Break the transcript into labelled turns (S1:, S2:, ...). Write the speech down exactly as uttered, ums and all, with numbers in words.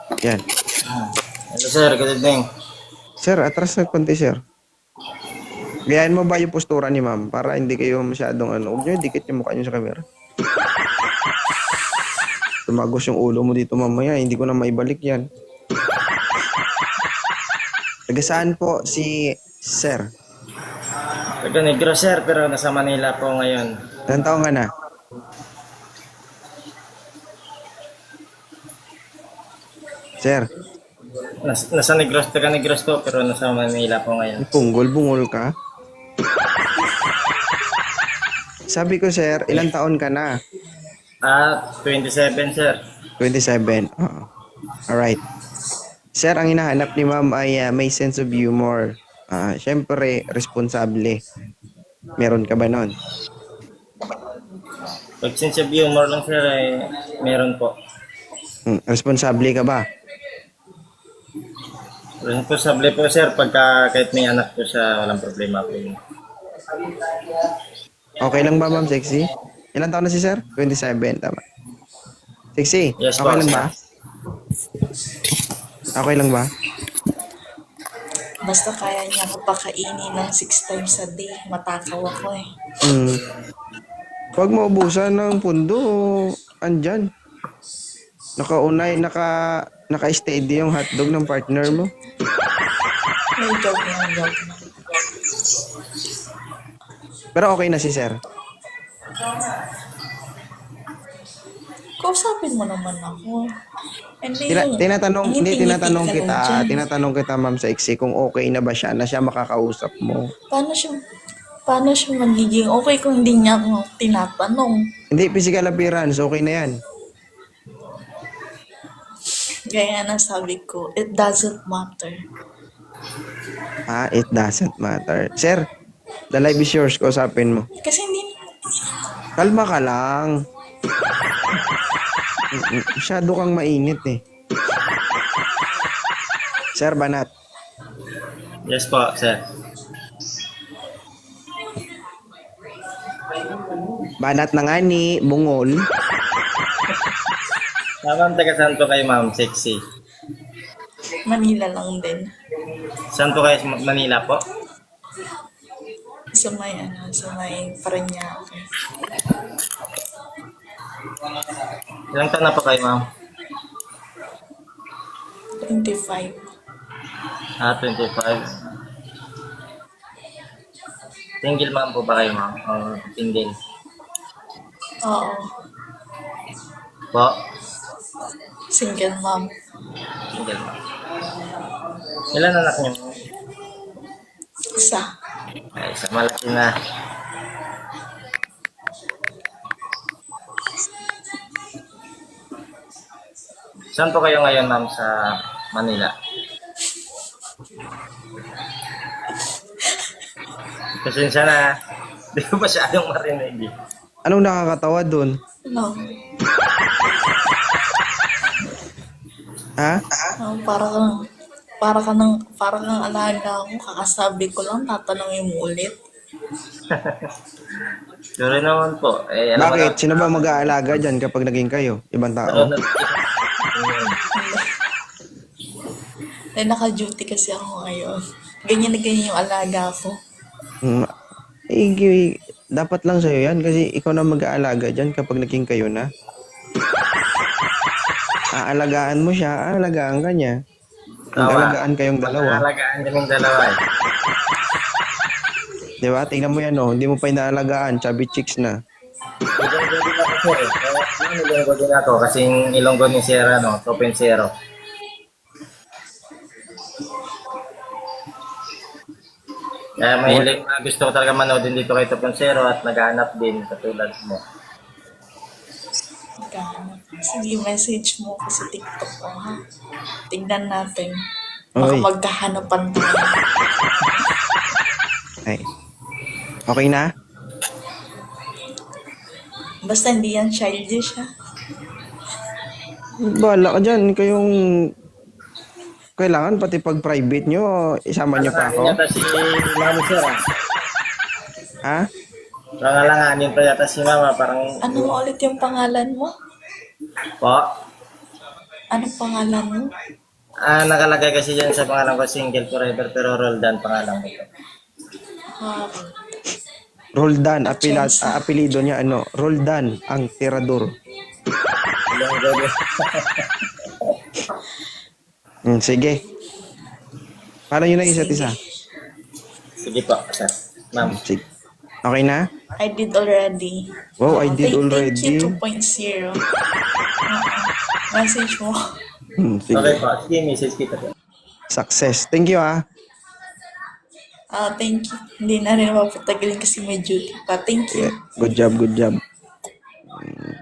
S1: Yan.
S2: Hello sir, good evening.
S1: Sir, atras na konti, sir. Gayahin mo ba yung postura ni ma'am para hindi kayo masyadong ano. Huwag nyo, dikit yung mukha nyo sa camera. Tumagos yung ulo mo dito mamaya. Hindi ko na maibalik yan. Taga saan po si sir?
S2: Taga Negro sir, pero nasa Manila po ngayon.
S1: Ilan taong ka na? Sir,
S2: Nas, nasa Negros, taga Negros po, pero nasa Manila po ngayon.
S1: punggol-bungol ka? Sabi ko, sir, ilang taon ka na?
S2: Ah, twenty-seven sir.
S1: twenty-seven. Oo. Alright. Sir, ang hinahanap ni ma'am ay uh, may sense of humor. Ah, syempre, responsable. Meron ka ba nun?
S2: Pag sense of humor lang sir, eh, meron po.
S1: Hmm, responsable ka ba?
S2: Responsable po sir, pagka kahit may anak po siya, walang problema po yun.
S1: Okay lang ba, ma'am, sexy? Ilang taon na si sir? twenty-seven, tama. Sexy,
S2: Yes
S1: okay
S2: po,
S1: lang
S2: sir.
S1: ba? Okay lang ba?
S3: Basta kaya niya ako pakainin ng six times a day. Matakaw ako eh.
S1: Hmm. Huwag maubusan ng pundo. Andyan. Nakaunay, naka, naka-steady yung hotdog ng partner mo.
S3: May joke na, joke na.
S1: Pero okay na si sir.
S3: Kausapin mo naman ako. Hindi
S1: Tina,
S3: yung-
S1: tinatanong,
S3: ang
S1: hindi
S3: ngiti-ngiti
S1: tinatanong
S3: ka lang
S1: kita,
S3: dyan.
S1: tinatanong kita ma'am sa iksi kung okay na ba siya, na siya makakausap mo.
S3: Paano siya, paano siya magiging okay kung hindi niya ako tinatanong?
S1: Hindi, physical appearance, okay na yan.
S3: Gaya na sabi ko, it doesn't matter.
S1: Ah, it doesn't matter. Sir, the live is yours, kausapin mo.
S3: Kasi hindi,
S1: Kalma ka lang. Mm-mm, masyado kang mainit eh. Sir Banat,
S2: Yes po, sir.
S1: banat na nga ni Bungol.
S2: Ah, ma'am, taga saan po kayo ma'am? Sexy.
S3: Manila lang din.
S2: Saan po kayo? Sa Manila po?
S3: Sa may, ano, sa may Parañaque.
S2: Ilang taon na po kayo ma'am?
S3: twenty-five.
S2: Ah, twenty-five. Single ma'am po ba kayo ma'am? O single?
S3: Oo.
S2: Po?
S3: Single mom.
S2: Single ma'am. Ilan anak niyo?
S3: Isa.
S2: Ay, isa malaki na. Saan po kayo ngayon ma'am sa Manila? Pasensya na. Hindi ko pa masyadong marinig. eh.
S1: Anong nakakatawa dun?
S3: No.
S1: Ha?
S3: Oh, para kang, para ka ng, para kang alaga ako. Kakasabi ko lang, tatanungin mo ulit.
S2: Sorry naman po. Eh, alam mo
S1: Bakit?
S2: na-
S1: Sino ba mag-aalaga dyan kapag naging kayo? Ibang tao?
S3: Eh, naka-duty kasi ako ngayon. Ganyan na ganyan yung alaga ko.
S1: Hmm. Eh, gi- dapat lang sa'yo yan kasi ikaw na mag-aalaga dyan kapag naging kayo na. Aalagaan mo siya, aalagaan ka niya. Mag-alagaan kayong dalawa.
S2: Alagaan kaming dalawa eh.
S1: Di ba? Tingnan mo yan, oh. Hindi mo pa inaalagaan. Chubby chicks na.
S2: Ilonggo din ako sir eh. Kaya ano, ilonggo din ako kasing ilonggo ni Sierra no, Topensero. Kaya may ilang na gusto ko talaga manood din dito kay Topensero at naghahanap din katulad mo.
S3: Magkahanap. Sige, message mo ko sa TikTok ko, ha? Tignan natin. Baka
S1: Oy.
S3: magkahanapan tayo.
S1: Ay. Okay na?
S3: Basta hindi yan childish, ha?
S1: Bahala ka dyan. Kayong... Kailangan pati pag private nyo, isama nyo pa ako.
S2: Yata si Mami Sir ah.
S1: Ha?
S2: Parang alanganin pa yata si Mama parang
S3: Ano mo ulit yung pangalan mo?
S2: po.
S3: Anong pangalan mo?
S2: Ah, nakalagay kasi dyan sa pangalan ko single forever pero Roldan pangalan ko.
S3: Ah,
S1: Roldan, apila,
S3: Chance.
S1: ah, apelido niya ano? Roldan, ang tirador.
S2: Ilang gabi.
S1: Hmm, sige. Paano yun ang isa't
S3: sige.
S1: isa?
S2: Sige po, sir. Ma'am.
S1: Sige. Okay na?
S3: I did already.
S1: Wow, I
S3: Oo,
S1: did
S3: thank-
S1: already.
S3: Thank you two point oh. Message mo.
S1: Hmm, sige.
S2: Okay po. Sige, message kita po.
S1: Success. Thank you ah.
S3: Ah, thank you. Hindi na rin mapatagalin kasi may duty pa. Thank you.
S1: Yeah. Good job, good job.